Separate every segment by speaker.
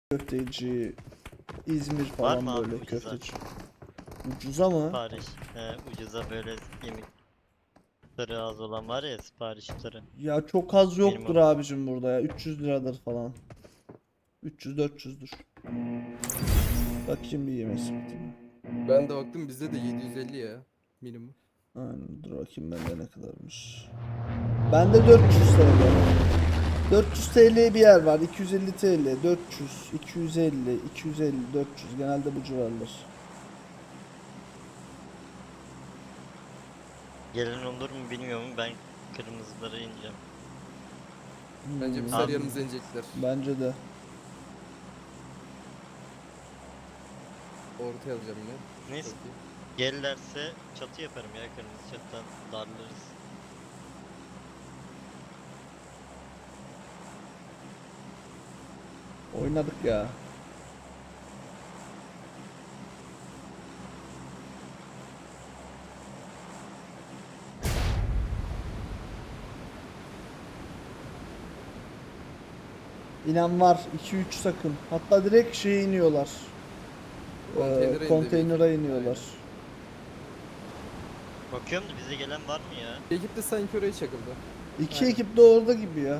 Speaker 1: köfteci, İzmir
Speaker 2: Var
Speaker 1: falan
Speaker 2: mı abi
Speaker 1: böyle
Speaker 2: ucuza?
Speaker 1: köfteci. Ucuza mı?
Speaker 2: Sipariş. Ucuza böyle yemekleri az olan var ya, siparişleri.
Speaker 1: Ya çok az yoktur
Speaker 2: Minimum.
Speaker 1: abicim burada ya. 300 liradır falan. 300-400'dür. Bakayım bir yemek sepetine.
Speaker 3: Ben de baktım bizde de 750 ya minimum.
Speaker 1: Aynen, dur bakayım bende ne kadarmış. Bende 400 TL. 400 TL bir yer var. 250 TL, 400, 250, 250, 400. Genelde bu civarlar.
Speaker 2: Gelen olur mu bilmiyorum. Ben kırmızılara ineceğim.
Speaker 3: Bence bir
Speaker 1: Hmm,
Speaker 2: Abi,
Speaker 3: yanımıza inecekler.
Speaker 1: bence de.
Speaker 3: Ortaya alacağım yine.
Speaker 2: neyse.
Speaker 3: Çok iyi.
Speaker 2: Gelirlerse çatı yaparım ya, kırmızı çatıdan darlarız.
Speaker 1: Oynadık ya. İnan var 2-3 takım. Hatta direkt şeye iniyorlar.
Speaker 3: Konteynere indi
Speaker 1: Konteynere
Speaker 3: bir ekip.
Speaker 1: iniyorlar.
Speaker 2: Bakıyorum da bize gelen var mı ya?
Speaker 3: Bir ekip de sanki oraya çakıldı.
Speaker 1: İki
Speaker 3: Aynen.
Speaker 1: ekip de orada gibi ya.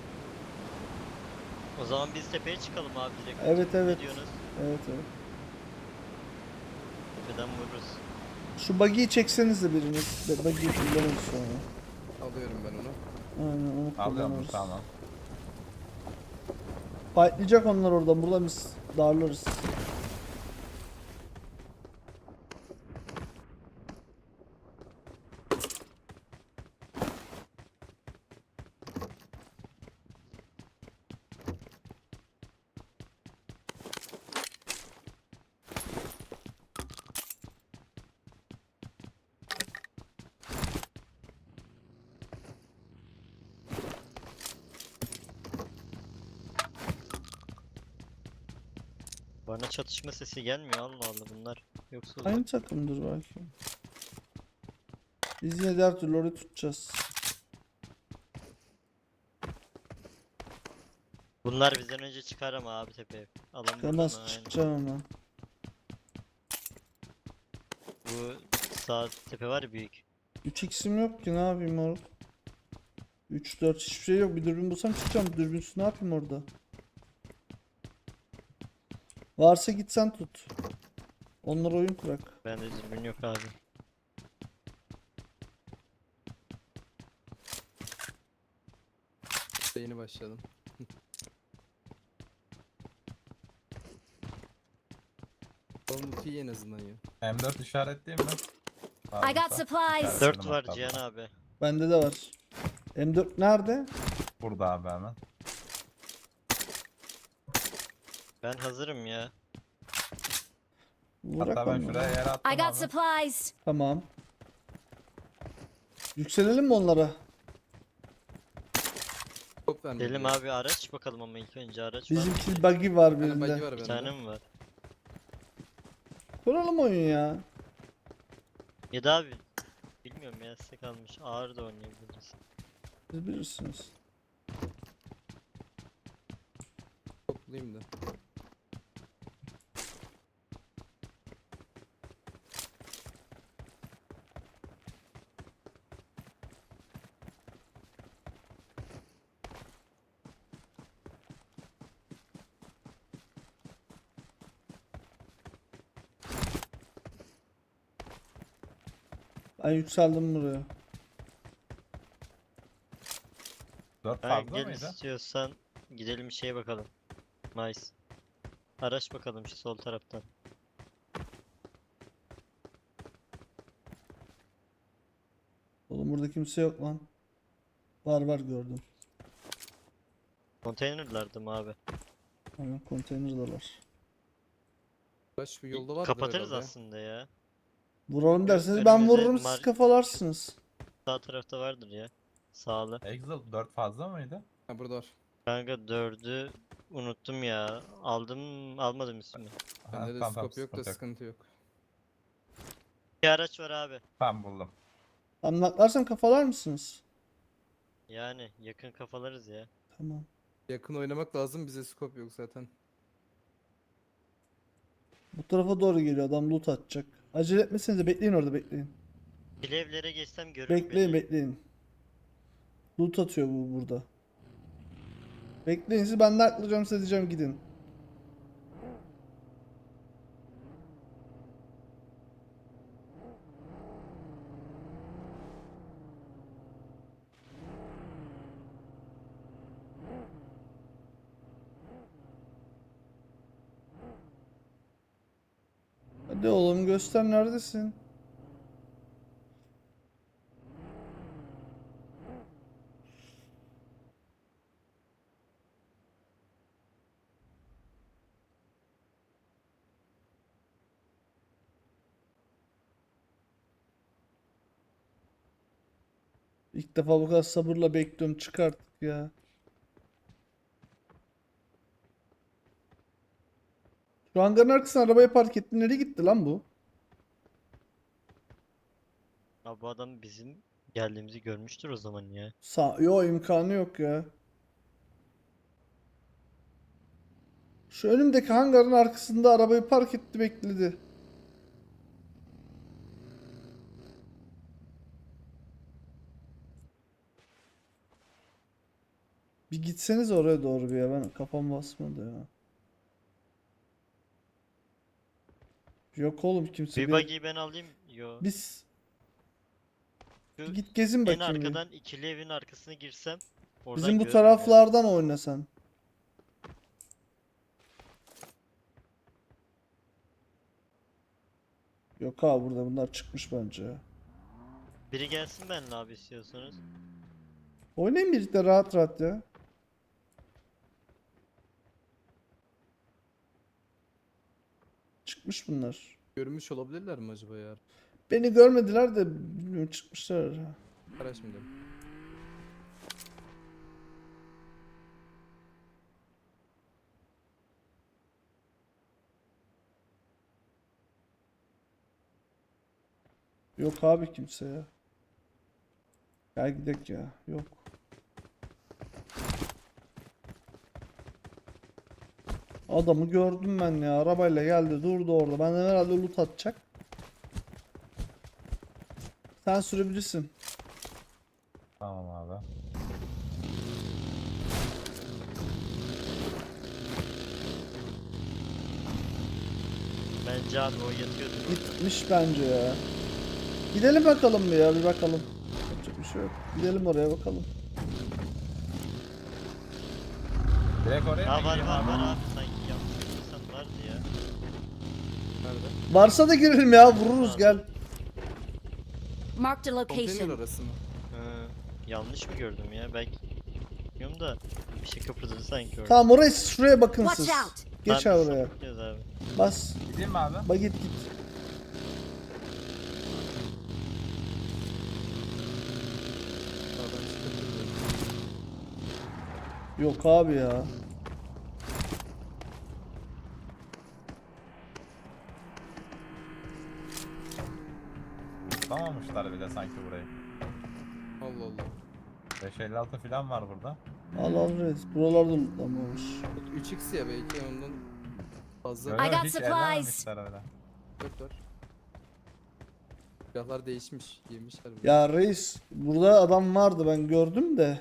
Speaker 2: O zaman biz tepeye çıkalım abi direkt.
Speaker 1: Evet, evet.
Speaker 2: Ne diyorsunuz?
Speaker 1: Evet, evet.
Speaker 2: Tepeden vururuz.
Speaker 1: Şu buggy'yi çekseniz de biriniz. Buggy'yi kullanırız sonra.
Speaker 3: Alıyorum ben onu.
Speaker 1: Aynen, onu
Speaker 4: Alıyorum
Speaker 1: kullanırız.
Speaker 4: tamam.
Speaker 1: Fightlayacak onlar oradan. Burada biz darlarız.
Speaker 2: Bana çatışma sesi gelmiyor, Allah Allah bunlar. Yoksa
Speaker 1: Aynı takımdır belki. Biz yine de her türlü orayı tutacağız.
Speaker 2: bunlar bizden önce çıkar ama abi tepeye. Alan burada mı?
Speaker 1: Temas
Speaker 2: Aynen.
Speaker 1: çıkacağım hemen.
Speaker 2: Bu sağ tepe var ya, büyük.
Speaker 1: 3x'im yok ki, ne yapayım orada? 3-4 hiçbir şey yok. Bir dürbün bulsam çıkacağım. Dürbünsüz ne yapayım orada? Varsa gitsen tut. Onlar oyun kurak.
Speaker 2: Bende dürbün yok abi.
Speaker 3: Yeni başladım. Olmuş iyi en azından ya.
Speaker 4: M4 işaretleyeyim mi?
Speaker 5: I got supplies.
Speaker 2: 4 var Cihan abi.
Speaker 1: Bende de var. M4 nerede?
Speaker 4: Burada abi hemen.
Speaker 2: Ben hazırım ya.
Speaker 1: Bırak
Speaker 4: Hatta ben
Speaker 1: onları.
Speaker 4: şuraya yer attım
Speaker 5: I got
Speaker 4: abi.
Speaker 5: supplies.
Speaker 1: Tamam. Yükselelim mi onlara?
Speaker 3: Top vermedi.
Speaker 2: Delim
Speaker 3: ya.
Speaker 2: abi, araç bakalım ama ilk önce araç var mı?
Speaker 1: Bizimki buggy var
Speaker 3: Bir tane buggy
Speaker 1: birinde.
Speaker 3: var
Speaker 2: Bir
Speaker 3: bende.
Speaker 2: tane mi var?
Speaker 1: Kuralım oyun ya.
Speaker 2: Ya da abi bilmiyorum ya, size kalmış. Ağır da oynayabiliriz.
Speaker 1: Siz bilirsiniz.
Speaker 3: Toplayayım da.
Speaker 1: Ben yükseldim buraya.
Speaker 4: 4
Speaker 2: Ben
Speaker 4: fazla
Speaker 2: gel
Speaker 4: mıydı?
Speaker 2: istiyorsan gidelim şeye bakalım. Nice. Araç bakalım şu sol taraftan.
Speaker 1: Oğlum burada kimse yok lan. Var var, gördüm.
Speaker 2: Konteynerlarda mı abi?
Speaker 1: Aynen, konteynerdalar.
Speaker 3: Baş bir yolda vardır
Speaker 2: Kapatırız
Speaker 3: herhalde.
Speaker 2: aslında ya.
Speaker 1: Vuralım derseniz ben
Speaker 2: önümüze
Speaker 1: vururum, siz kafalarsınız.
Speaker 2: Sağ tarafta vardır ya. Sağlı.
Speaker 4: Exalt 4 fazla mıydı?
Speaker 3: Ha burada var.
Speaker 2: Kanka 4'ü unuttum ya. Aldım almadım ismini.
Speaker 3: Bende de
Speaker 4: Tamam,
Speaker 3: scope yok da
Speaker 4: sıkıntı
Speaker 3: sıkıntı yok.
Speaker 2: Bir araç var abi.
Speaker 4: Ben buldum.
Speaker 1: Anlaklarsam kafalar mısınız?
Speaker 2: Yani yakın kafalarız ya.
Speaker 1: Tamam.
Speaker 3: Yakın oynamak lazım bize scope yok zaten.
Speaker 1: Bu tarafa doğru geliyor, adam loot atacak. Acele etmesenize, bekleyin orada, bekleyin.
Speaker 2: Bir evlere geçsem görürüm
Speaker 1: Bekleyin
Speaker 2: beni.
Speaker 1: bekleyin. Loot atıyor bu burada. Bekleyin siz, ben de aklayacağım, size diyeceğim gidin. Hadi oğlum göster, neredesin? İlk defa bu kadar sabırla bekliyorum, çık artık ya. Şu hangarın arkasına arabayı park etti. Nereye gitti lan bu?
Speaker 2: Abi bu adam bizim geldiğimizi görmüştür o zaman ya.
Speaker 1: Yo, imkanı yok ya. Şu önümdeki hangarın arkasında arabayı park etti, bekledi. Bir gitseniz oraya doğru bir ya, ben kafam basmadı ya. Yok oğlum, kimse
Speaker 2: Bir
Speaker 1: bir...
Speaker 2: buggy'yi ben alayım. Yo.
Speaker 1: Biz
Speaker 2: Şu
Speaker 1: bir git gezin
Speaker 2: en
Speaker 1: bakayım bir.
Speaker 2: arkadan ikili evin arkasına girsem oradan
Speaker 1: Bizim bu
Speaker 2: görürüm ya.
Speaker 1: taraflardan oynasan. Yok abi, burada bunlar çıkmış bence ya.
Speaker 2: Biri gelsin benimle abi istiyorsanız.
Speaker 1: Oynayın birlikte rahat rahat ya. Çıkmış bunlar.
Speaker 3: Görmüş olabilirler mi acaba ya?
Speaker 1: Beni görmediler de bilmiyorum, çıkmışlar.
Speaker 3: Araç mı dedim?
Speaker 1: Yok abi kimse ya. Gel gidelim ya. Yok. Adamı gördüm ben ya. Arabayla geldi, durdu orada. Benden herhalde loot atacak. Sen sürebilirsin.
Speaker 4: Tamam abi.
Speaker 2: Bence abi o yatıyordur orada.
Speaker 1: Gitmiş bence ya. Gidelim bakalım bir ya, bir bakalım. Yapacak bir şey yok. Gidelim oraya bakalım.
Speaker 4: Direkt oraya
Speaker 2: Ha
Speaker 4: mı
Speaker 2: var
Speaker 4: gireyim
Speaker 2: var
Speaker 4: abi?
Speaker 2: var abi sanki yanlış bilmiyorsam vardı ya.
Speaker 3: Nerede?
Speaker 1: Varsa da girelim ya, vururuz, gel.
Speaker 5: Marked a
Speaker 3: Konteyner
Speaker 5: location.
Speaker 3: arası mı?
Speaker 2: Hı, yanlış mı gördüm ya? Belki bilmiyorum da bir şey kıpırdadı sanki orada.
Speaker 1: Tamam, oraya şuraya bakın
Speaker 5: Watch
Speaker 1: siz.
Speaker 5: out.
Speaker 1: Geç
Speaker 2: Tamam,
Speaker 1: abi
Speaker 2: biz
Speaker 1: oraya.
Speaker 2: sapıtıyoruz abi.
Speaker 1: Bas.
Speaker 4: Gideyim mi abi?
Speaker 1: Bak git.
Speaker 3: Sağdan çıkabilir.
Speaker 1: Yok abi ya.
Speaker 4: Tutamamışlar bile sanki burayı.
Speaker 3: Allah Allah.
Speaker 4: 556 falan var burada.
Speaker 1: Al al reis. Buralarda lootlanmamış.
Speaker 3: 3x ya belki ondan fazla.
Speaker 4: Öyle
Speaker 5: I
Speaker 4: mi?
Speaker 5: got
Speaker 4: Hiç
Speaker 5: supplies.
Speaker 4: ellememişler öyle.
Speaker 3: Dört var. Silahlar değişmiş. Yemişler bunu.
Speaker 1: Ya reis, burada adam vardı, ben gördüm de.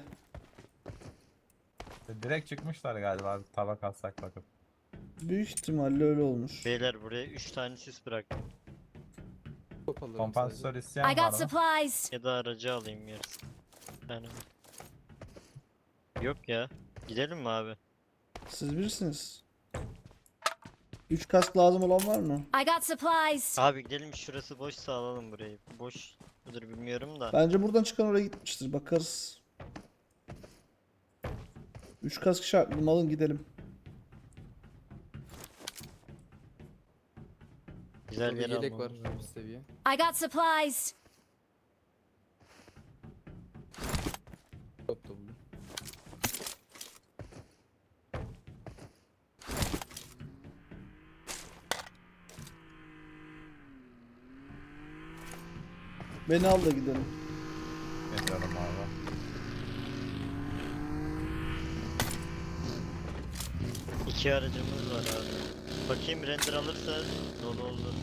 Speaker 4: Direkt çıkmışlar galiba abi, tabak alsak bakıp.
Speaker 1: Büyük ihtimalle öyle olmuş.
Speaker 2: Beyler buraya 3 tane sis bıraktım.
Speaker 3: Top alırım
Speaker 4: Kompansatör
Speaker 3: sadece.
Speaker 4: isteyen
Speaker 5: I
Speaker 4: var
Speaker 5: got
Speaker 4: mı?
Speaker 5: supplies.
Speaker 2: Ya da aracı alayım yarısı. Bir tane. Yok ya. Gidelim mi abi?
Speaker 1: Siz bilirsiniz. 3 kask lazım olan var mı?
Speaker 5: I got supplies.
Speaker 2: Abi gidelim, şurası boşsa alalım burayı. Boş mudur bilmiyorum da.
Speaker 1: Bence buradan çıkan oraya gitmiştir. Bakarız. 3 kask şartlı, alın gidelim.
Speaker 2: Güzel
Speaker 3: Burada
Speaker 2: yer
Speaker 3: bir yelek var
Speaker 2: almamız lazım.
Speaker 3: üst seviye.
Speaker 5: I got supplies.
Speaker 3: Top da buldum.
Speaker 1: Beni al da gidelim.
Speaker 4: Geliyorum abi.
Speaker 2: İki aracımız var abi. Bakayım render alırsa dolu olur.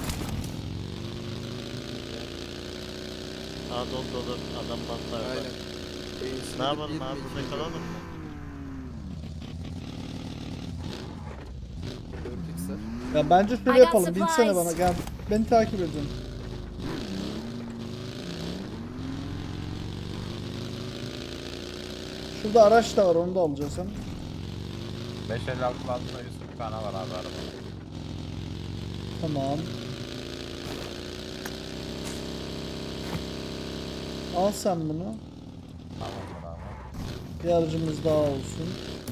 Speaker 2: Aa dolu dolu. Adam mantarda.
Speaker 3: Aynen.
Speaker 2: Ne yapalım abi, burada kalalım mı?
Speaker 3: 4x'ler.
Speaker 1: Ya bence şöyle
Speaker 5: I got
Speaker 1: yapalım. Binsene bana
Speaker 5: supplies.
Speaker 1: gel. Beni takip edin. Şurada araç da var, onu da alacağız hem.
Speaker 4: 556 altında 140 tane var abi arabada.
Speaker 1: Tamam. Al sen bunu.
Speaker 4: Tamamdır abi.
Speaker 1: Bir aracımız daha olsun.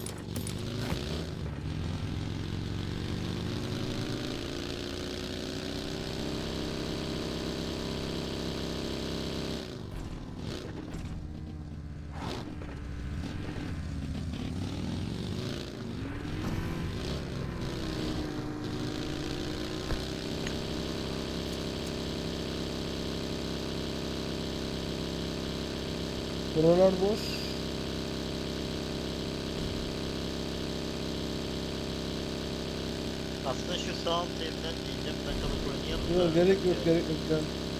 Speaker 1: Buralar boş.
Speaker 2: Aslında şu sağ alt evden diyeceğim, bakalım oynayalım
Speaker 1: Yok
Speaker 2: da.
Speaker 1: gerek yok, gerek yok. Gel.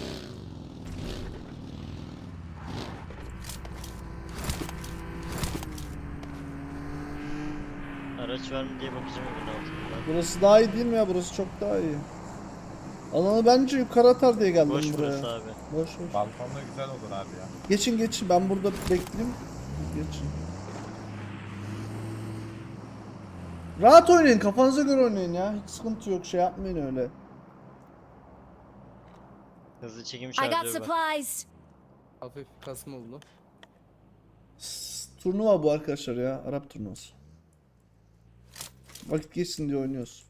Speaker 2: Araç var mı diye bakacağım evin altında.
Speaker 1: Burası daha iyi değil mi ya? Burası çok daha iyi. Alanı bence yukarı atar diye geldim
Speaker 2: Boş
Speaker 1: buraya.
Speaker 2: burası abi.
Speaker 1: Boş boş.
Speaker 4: Balkonda güzel olur abi ya.
Speaker 1: Geçin geçin, ben burada bekleyeyim. Geçin. Rahat oynayın, kafanıza göre oynayın ya. Hiç sıkıntı yok, şey yapmayın öyle.
Speaker 2: Hızlı çekim
Speaker 5: I got
Speaker 2: şarjörü var.
Speaker 5: supplies.
Speaker 3: Hafif kasma oldu.
Speaker 1: Turnuva bu arkadaşlar ya, Arap turnuvası. Vakit geçsin diye oynuyoruz.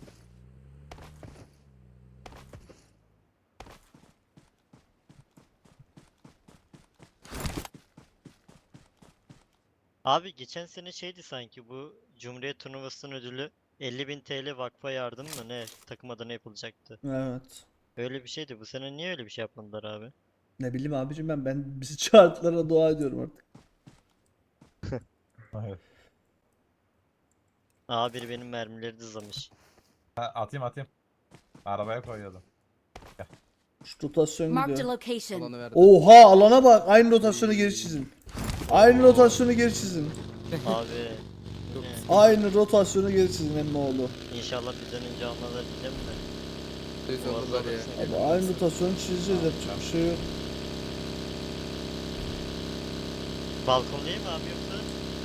Speaker 2: Abi geçen sene şeydi sanki, bu Cumhuriyet Turnuvası'nın ödülü 50.000 TL vakfa yardım mı ne, takım adına yapılacaktı.
Speaker 1: Evet.
Speaker 2: Öyle bir şeydi. Bu sene niye öyle bir şey yapmadılar abi?
Speaker 1: Ne bileyim abicim, ben bizi çağırdılara dua ediyorum artık.
Speaker 4: Evet.
Speaker 2: Aa, biri benim mermileri dızlamış.
Speaker 4: Ha, atayım. Arabaya koyuyordum.
Speaker 1: Şu rotasyon
Speaker 5: Marked a
Speaker 1: gidiyor.
Speaker 5: location.
Speaker 3: Alanı verdi.
Speaker 1: Oha, alana bak, aynı rotasyonu geri çizin. Aynı rotasyonu geri çizin.
Speaker 2: Abi
Speaker 3: Çok
Speaker 2: ne?
Speaker 1: Aynı rotasyonu geri çizin emmoğlu.
Speaker 2: İnşallah bizden önce almaları diyeceğim de.
Speaker 3: Düz
Speaker 2: Boğaz
Speaker 3: alırlar ya.
Speaker 2: alırsın.
Speaker 1: Abi aynı rotasyonu çizeceğiz, yapacak bir şey yok.
Speaker 2: Balkon değil mi abi yoksa?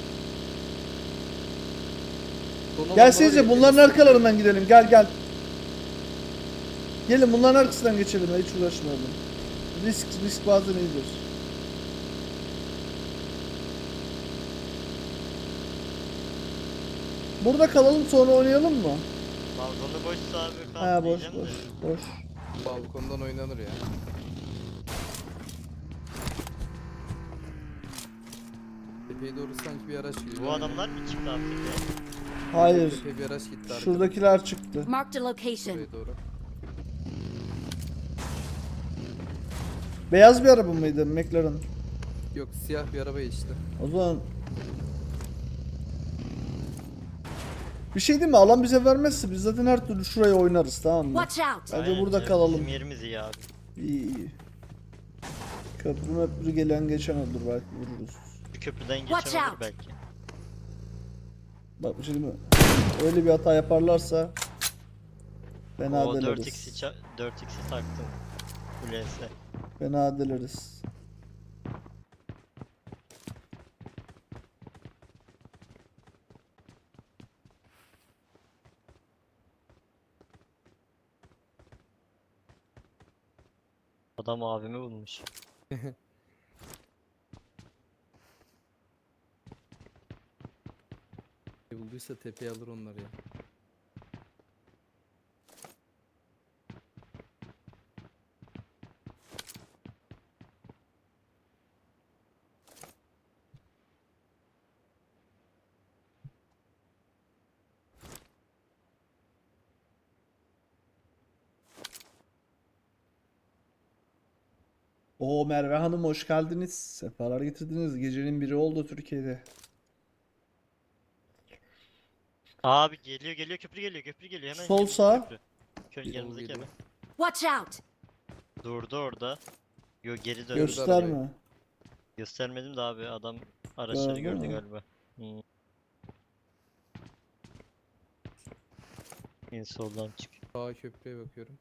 Speaker 3: Son
Speaker 1: Gelsenize
Speaker 3: alanlar
Speaker 1: bunların
Speaker 3: var ya,
Speaker 1: arkalarından gidelim, gel gel. Gelin bunların arkasından geçelim ya, hiç uğraşmayalım. Risk bazen iyidir. Burada kalalım, sonra oynayalım mı?
Speaker 2: Balkonu boşsa abi
Speaker 1: Ha
Speaker 2: kalk
Speaker 1: boş
Speaker 2: diyeceğim
Speaker 1: boş
Speaker 2: de.
Speaker 1: boş.
Speaker 3: Balkondan oynanır ya. Tepeye doğru sanki bir araç gidiyor.
Speaker 2: Bu adamlar mı çıktı abi tepeye?
Speaker 1: Hayır.
Speaker 3: Tepeye bir araç gitti arkadan.
Speaker 1: Şuradakiler çıktı.
Speaker 5: Marked a location.
Speaker 3: Buraya doğru.
Speaker 1: Beyaz bir araba mıydı McLaren?
Speaker 3: Yok, siyah bir araba işte.
Speaker 1: O zaman bir şey değil mi? Alan bize vermezse biz zaten her türlü şuraya oynarız, tamam mı?
Speaker 5: Watch out.
Speaker 1: Bence
Speaker 2: Aynen
Speaker 1: burada
Speaker 2: canım,
Speaker 1: kalalım.
Speaker 2: Bizim yerimiz iyi abi.
Speaker 1: İyi. Köprü gelen geçen olur, belki vururuz.
Speaker 2: Bir köprüden
Speaker 5: Watch
Speaker 2: geçen olur
Speaker 5: out.
Speaker 2: belki.
Speaker 1: Bak bir şey değil mi? Öyle bir hata yaparlarsa fena
Speaker 2: O
Speaker 1: deliriz.
Speaker 2: 4x'i taktım. Kulesi.
Speaker 1: Fena deliriz.
Speaker 2: Adam abimi bulmuş.
Speaker 3: Bulduysa tepeye alır onları ya.
Speaker 1: Oo Merve Hanım, hoş geldiniz. Sefalar getirdiniz. Gecenin biri oldu Türkiye'de.
Speaker 2: Abi geliyor köprü geliyor hemen.
Speaker 1: Sol
Speaker 2: yanımızdaki
Speaker 1: sağ.
Speaker 2: köprü. Şöyle
Speaker 3: Sol
Speaker 2: yanımızdaki
Speaker 3: geliyor.
Speaker 2: hemen.
Speaker 5: Watch out!
Speaker 2: Durdu orada. Yo geri döndü.
Speaker 1: Gösterme.
Speaker 2: Göstermedim de abi adam araçları
Speaker 1: Gördün
Speaker 2: gördü
Speaker 1: mü?
Speaker 2: galiba. En soldan çık.
Speaker 3: Sağ köprüye bakıyorum.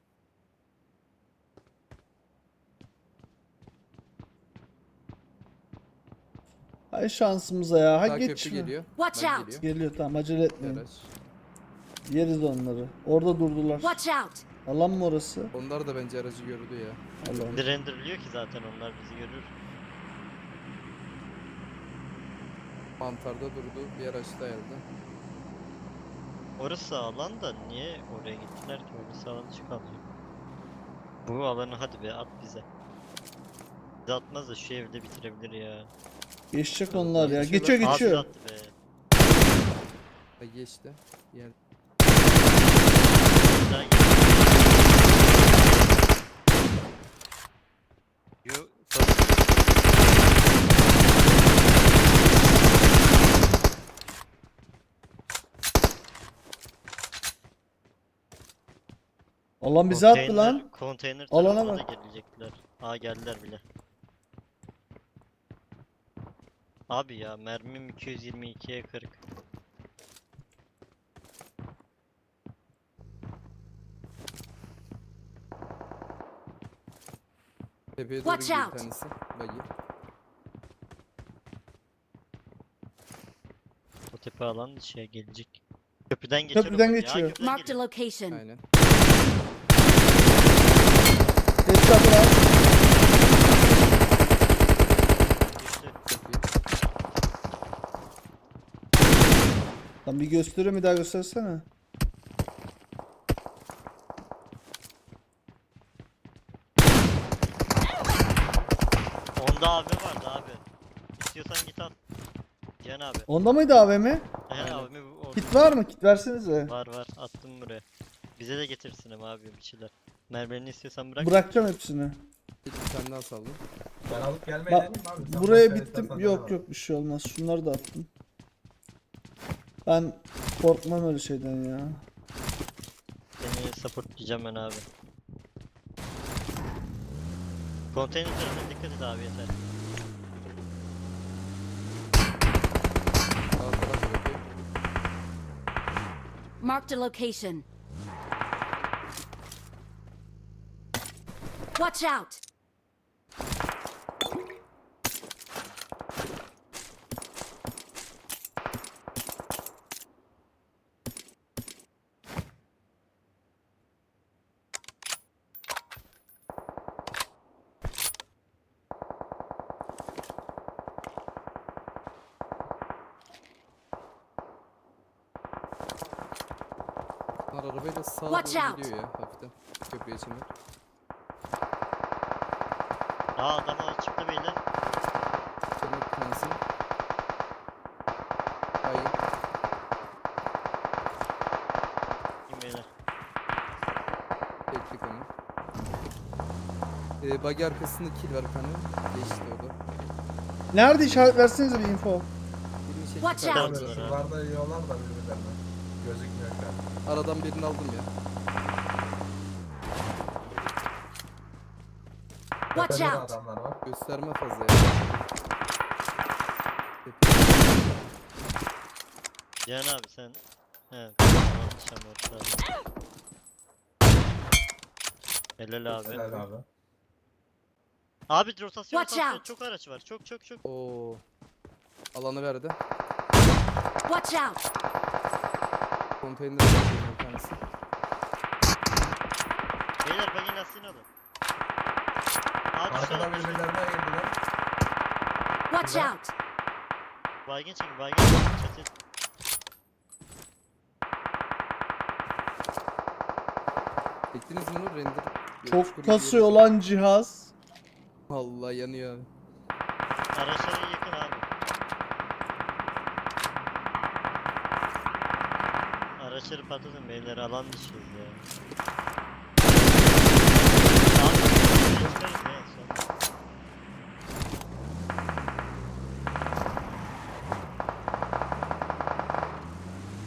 Speaker 1: Hay şansımıza ya. Ha
Speaker 3: Sağ
Speaker 1: geç
Speaker 3: köprü
Speaker 1: şunu.
Speaker 3: geliyor.
Speaker 5: Watch
Speaker 3: Bak
Speaker 5: out.
Speaker 3: geliyor.
Speaker 1: Geliyor tamam acele
Speaker 3: Bir
Speaker 1: etmeyin.
Speaker 3: araç.
Speaker 1: Yeriz onları. Orada durdular.
Speaker 5: Watch out!
Speaker 1: Alan mı orası?
Speaker 3: Onlar da bence aracı gördü ya.
Speaker 1: Alan.
Speaker 2: Renderliyor ki zaten onlar bizi görür.
Speaker 3: Mantarda durdu. Bir araç da geldi.
Speaker 2: Orası alan da niye oraya gittiler ki? Orası alan çıkamıyor. Bu alanı hadi be at bize. Bize atmaz da şu evde bitirebilir ya.
Speaker 1: Geçecek onlar ya.
Speaker 3: Geçiyorlar.
Speaker 1: Geçiyor
Speaker 2: Abi
Speaker 1: geçiyor.
Speaker 2: attı be.
Speaker 3: Ha, geçti. Yer.
Speaker 2: Daha gel. Yo,
Speaker 1: Alan bizi attı lan.
Speaker 2: Konteyner
Speaker 1: Alana
Speaker 2: tarafına
Speaker 1: bak.
Speaker 2: da gelecekler. Aa geldiler bile. Abi ya mermim 222'ye 40.
Speaker 3: Tepeye doğru
Speaker 5: Watch
Speaker 3: gidiyor bir
Speaker 5: out.
Speaker 3: tanesi. Bagi.
Speaker 2: O tepe alan şeye gelecek. Köprüden geçiyor.
Speaker 1: Köprüden
Speaker 2: o bak. Ya,
Speaker 1: geçiyor.
Speaker 2: köprüden
Speaker 5: Marked a
Speaker 2: geliyor.
Speaker 5: location.
Speaker 3: Aynen.
Speaker 1: Headshot var.
Speaker 2: Geçti.
Speaker 3: Çok iyi.
Speaker 1: Lan bir gösteriyor bir daha göstersene.
Speaker 2: Onda abi vardı abi. İstiyorsan git al. Cihan abi.
Speaker 1: Onda mıydı AVM?
Speaker 2: He
Speaker 3: Aynen.
Speaker 2: abi bu orada.
Speaker 1: Kit var mı? Kit versenize.
Speaker 2: Var attım buraya. Bize de getirsin ama abi bir şeyler. Mermilerini istiyorsan bırak.
Speaker 1: Bırakacağım hepsini.
Speaker 3: Bir tane daha saldım.
Speaker 4: Ben alıp gelmeyi
Speaker 1: Bak,
Speaker 4: dedim abi. Sen
Speaker 1: buraya
Speaker 4: başka
Speaker 1: bittim.
Speaker 4: istersen
Speaker 1: Yok
Speaker 4: devam.
Speaker 1: yok bir şey olmaz. Şunları da attım. Ben korkmam öyle şeyden ya.
Speaker 2: Seni supportlayacağım ben abi. Konteyner tarafına dikkat et abi yeter.
Speaker 3: Sağ taraf bakıyor.
Speaker 5: Marked a location. Watch out!
Speaker 3: Bunlar arabayla sağa
Speaker 5: Watch
Speaker 3: doğru
Speaker 5: out.
Speaker 3: gidiyor ya hafiften. Köprüye çemer.
Speaker 2: Aa adam çıktı beyler.
Speaker 3: Sonra bir tanesi. Hayır.
Speaker 2: Kim beyler?
Speaker 3: Beklik onu. Bagi arkasında kill var bir tane. Geçti o da.
Speaker 1: Nerede işaret versenize bir info.
Speaker 3: Birini çekti
Speaker 5: Watch
Speaker 3: kanka.
Speaker 5: out.
Speaker 4: Tabii, şuralarda yiyorlar da birbirlerine. Gözükmüyor şu an.
Speaker 3: Aradan birini aldım ya.
Speaker 5: Watch
Speaker 4: Tepede de
Speaker 5: out.
Speaker 4: adamlar var.
Speaker 3: Gösterme fazla ya.
Speaker 2: Cihan abi sen. He. Yanlış ama ortada. Helal abi.
Speaker 4: Helal abi.
Speaker 2: Abi rotasyon
Speaker 5: Watch
Speaker 2: rotasyon
Speaker 5: out.
Speaker 2: çok araç var. Çok.
Speaker 3: Oo. Alanı verdi.
Speaker 5: Watch out!
Speaker 3: Konteyner var bir tanesi.
Speaker 2: Beyler bagin lastiğini alın. Abi
Speaker 4: Arkadan birbirlerine girdiler.
Speaker 5: Watch
Speaker 4: Güzel.
Speaker 5: out!
Speaker 2: baygın çekin baygın çekin. Çatı.
Speaker 3: Çektiniz mi onu? Render.
Speaker 1: Çok
Speaker 3: Çukur
Speaker 1: kasıyor
Speaker 3: gibi.
Speaker 1: lan cihaz.
Speaker 3: Allah yanıyor abi.
Speaker 2: Araçlara yakın abi. Araçları patlatın beyler alan dışıyız ya. Abi çıkarız ya en son.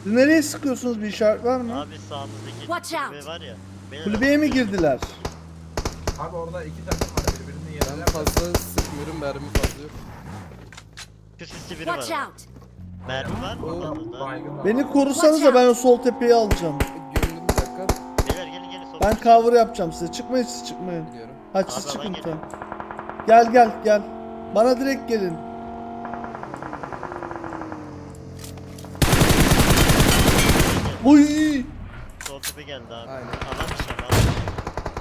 Speaker 1: Siz nereye sıkıyorsunuz, bir işaret var mı?
Speaker 2: Abi sağımızdaki
Speaker 5: Watch
Speaker 2: kulübe
Speaker 5: out.
Speaker 2: var ya. beyler,
Speaker 1: Kulübeye mi girdiler?
Speaker 4: Abi orada iki takım var birbirini
Speaker 3: Ben
Speaker 4: yerler.
Speaker 3: fazla sıkmıyorum, mermi fazla yok.
Speaker 2: Şu sisli biri
Speaker 5: Watch
Speaker 2: var.
Speaker 5: out!
Speaker 2: Mermi var mı? Orada?
Speaker 4: Baygın var.
Speaker 1: Beni korusanız da ben o sol tepeyi alacağım.
Speaker 3: Gömdüm bir dakika.
Speaker 2: Beyler gelin sol.
Speaker 1: Ben cover yapacağım size. Çıkmayın siz, çıkmayın.
Speaker 3: Biliyorum.
Speaker 1: Hadi siz
Speaker 2: Abi,
Speaker 1: çıkın
Speaker 2: alan
Speaker 1: lütfen. Gel. Bana direkt gelin. Uy!
Speaker 2: Sol tepe geldi abi.
Speaker 3: Aynen.
Speaker 2: Alan dışı abi. Alan dışı.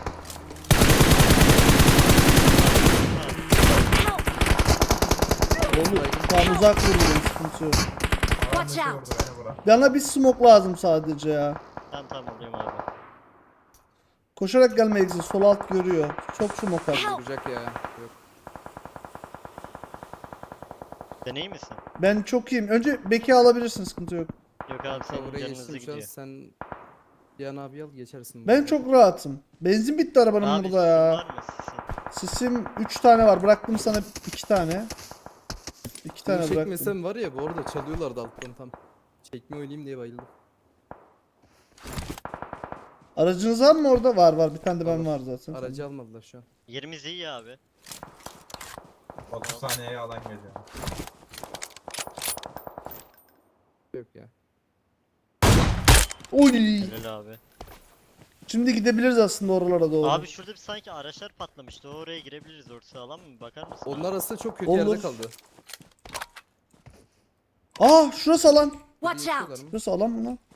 Speaker 5: Help!
Speaker 1: Oğlum tam uzak vuruyorum, sıkıntı yok.
Speaker 4: Alan
Speaker 5: Watch
Speaker 4: dışı
Speaker 5: out.
Speaker 4: vurdu beni bura.
Speaker 1: Bana bir smoke lazım sadece ya.
Speaker 2: Tamam alıyorum abi.
Speaker 1: Koşarak gelme Exit, sol alt görüyor. Çok smoke var.
Speaker 3: Vuracak ya. Yok.
Speaker 2: Sen iyi misin?
Speaker 1: Ben çok iyiyim. Önce Beki alabilirsin, sıkıntı yok.
Speaker 2: Yok abi senin
Speaker 3: Cover'a
Speaker 2: canınızı
Speaker 3: geçtim şu an,
Speaker 2: gidiyor.
Speaker 3: sen Cihan abi al geçersin.
Speaker 1: Ben çok rahatım. Benzin bitti arabanın
Speaker 2: Abi
Speaker 1: burada
Speaker 2: sizin
Speaker 1: ya.
Speaker 2: var mı sizin?
Speaker 1: Sisim 3 tane var. Bıraktım sana 2 tane. 2 tane
Speaker 3: Bunu
Speaker 1: bıraktım.
Speaker 3: çekmesem var ya, bu arada çalıyorlardı alttan tam. Çekme oynayayım diye bayıldım.
Speaker 1: Aracınız var mı orada? Var. Bir tane de ben var zaten.
Speaker 3: Aracı almadılar şu an.
Speaker 2: Yerimiz iyi ya abi.
Speaker 4: 30 saniyeye alan geliyor.
Speaker 3: Yok ya.
Speaker 1: Oy!
Speaker 2: Helal abi.
Speaker 1: Şimdi gidebiliriz aslında oralara doğru.
Speaker 2: Abi şurada bir sanki araçlar patlamıştı. Oraya girebiliriz. Orası alan mı? Bakar mısın?
Speaker 3: Onlar arasında çok kötü
Speaker 1: Olur.
Speaker 3: yerde kaldı.
Speaker 1: Şurası alan.
Speaker 5: Watch
Speaker 3: Geçiyorlar
Speaker 5: out!
Speaker 3: mı?
Speaker 1: Şurası alan mı lan?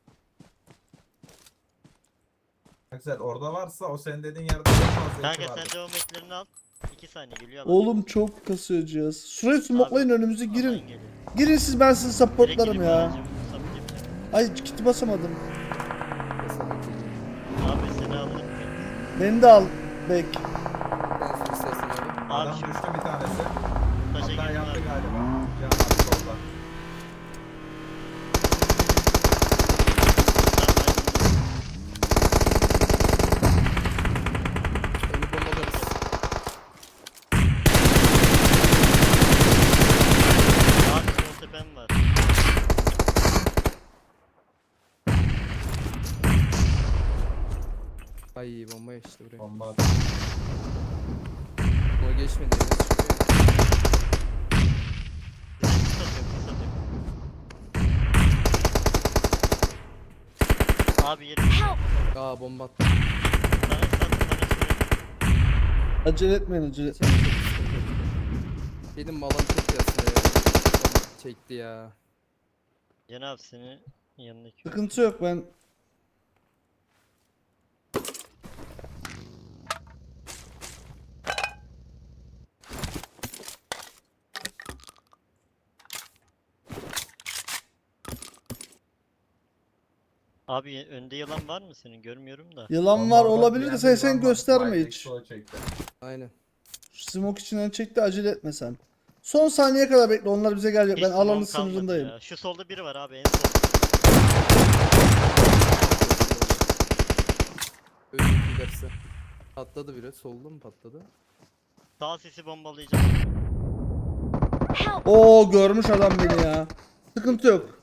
Speaker 4: Güzel orada varsa o senin dediğin yerde çok fazla
Speaker 2: Kanka
Speaker 4: iki vardır.
Speaker 2: sen devam etlerini al. 2 saniye geliyor alan.
Speaker 1: Oğlum çok kasıyor cihaz. Şurayı smoklayın,
Speaker 2: Abi,
Speaker 1: önümüzü
Speaker 2: alan
Speaker 1: girin.
Speaker 2: geliyor.
Speaker 1: Girin siz, ben sizi
Speaker 2: Direkt
Speaker 1: supportlarım
Speaker 2: girip
Speaker 1: ya.
Speaker 2: alacağım, sabitleyeceğim.
Speaker 1: Ay kiti basamadım.
Speaker 2: Abi seni alırım.
Speaker 1: Beni de al Bek.
Speaker 3: Ben su istersen abi.
Speaker 2: Abi
Speaker 4: Adam
Speaker 2: şu
Speaker 4: düştü bir tanesi.
Speaker 2: taşa
Speaker 4: Hatta
Speaker 2: girdim
Speaker 4: yattı
Speaker 2: abi.
Speaker 4: galiba. Cihan abi solda.
Speaker 3: Önü bombalarız.
Speaker 2: Abi sol tepem var.
Speaker 3: Ay bomba geçti buraya.
Speaker 4: Bomba attı.
Speaker 3: O geçmedi. Enes çıkıyor.
Speaker 2: Kısa atıyorum. Abi yerim.
Speaker 5: Help!
Speaker 3: Aa bomba attı.
Speaker 2: Sana sattım bana şuraya.
Speaker 1: Acele etmeyin.
Speaker 3: Benim malam çok yasna ya. Çekti ya.
Speaker 2: Cenab seni yanındaki.
Speaker 1: Sıkıntı yok, ben
Speaker 2: Abi önde yalan var mı senin? Görmüyorum da.
Speaker 1: yılan var
Speaker 4: Bomba
Speaker 1: olabilir de
Speaker 4: atlayan
Speaker 1: sen
Speaker 4: bir yılan var.
Speaker 1: gösterme
Speaker 4: Baytek
Speaker 1: hiç.
Speaker 4: sola çekti.
Speaker 3: Aynen.
Speaker 1: Smoke içinden çekti, acele etme sen. Son saniye kadar bekle, onlar bize gelecek.
Speaker 2: Hiç
Speaker 1: Ben alanın
Speaker 2: smoke kalmadı
Speaker 1: sınırındayım.
Speaker 2: ya. Şu solda biri var abi en sol.
Speaker 3: Öldü giderse. Patladı biri. Solda mı patladı?
Speaker 2: Sağ sesi bombalayacağım.
Speaker 5: Help!
Speaker 1: Oo, görmüş adam beni ya. Sıkıntı yok.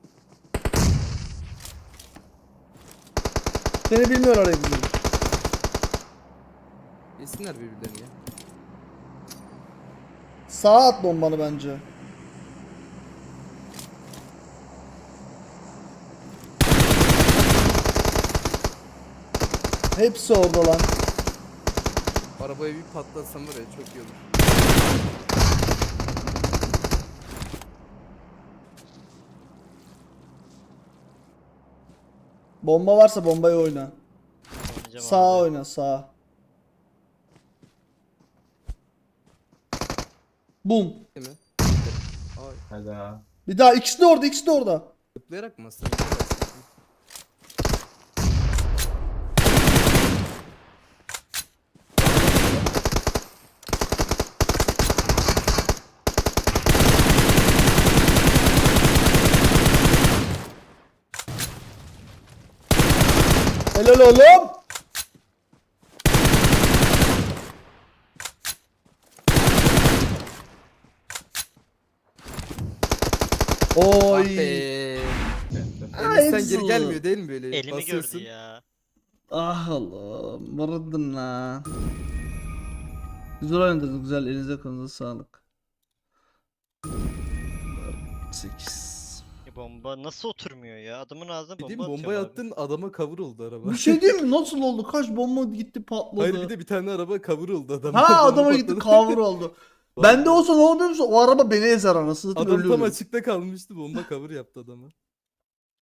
Speaker 1: Seni bilmiyorlar Exit.
Speaker 3: Yesinler birbirlerini ya.
Speaker 1: Sağa at bombanı bence. Hepsi orada lan.
Speaker 3: Arabayı bir patlatsam var ya, çok iyi olur.
Speaker 1: Bomba varsa bombayı oyna.
Speaker 2: Oynayacağım
Speaker 1: Sağa
Speaker 2: abi.
Speaker 1: oyna, sağa. Bum.
Speaker 3: Değil mi? Ay,
Speaker 4: Hadi ha.
Speaker 1: Bir daha, ikisi de orada, ikisi de orada.
Speaker 3: zıplayarak mı aslında?
Speaker 1: Helal oğlum.
Speaker 3: Ah
Speaker 1: Oy.
Speaker 3: be. sen geri gelmiyor değil mi böyle?
Speaker 2: Elimi
Speaker 3: Basıyorsun.
Speaker 2: gördü ya.
Speaker 1: Ah Allah'ım. Vurdun lan. Güzel oynadınız. Güzel. Elinize kolunuza sağlık. 8.
Speaker 2: Bomba nasıl oturmuyor ya? Adamın ağzına
Speaker 3: Dediğim
Speaker 2: bomba
Speaker 3: bomba
Speaker 2: atıyorum abi.
Speaker 3: attın adama cover oldu araba.
Speaker 1: Bir şey diyeyim mi? Nasıl oldu? Kaç bomba gitti patladı.
Speaker 3: Hayır bir de bir tane araba cover oldu adam.
Speaker 1: Ha
Speaker 3: Bomba
Speaker 1: adama gitti
Speaker 3: patladı.
Speaker 1: cover oldu. Ben de olsa ne oluyor musun? O araba beni ezer anasını satayım
Speaker 3: Adam tam
Speaker 1: ölüyorum.
Speaker 3: açıkta kalmıştı bomba cover yaptı adama.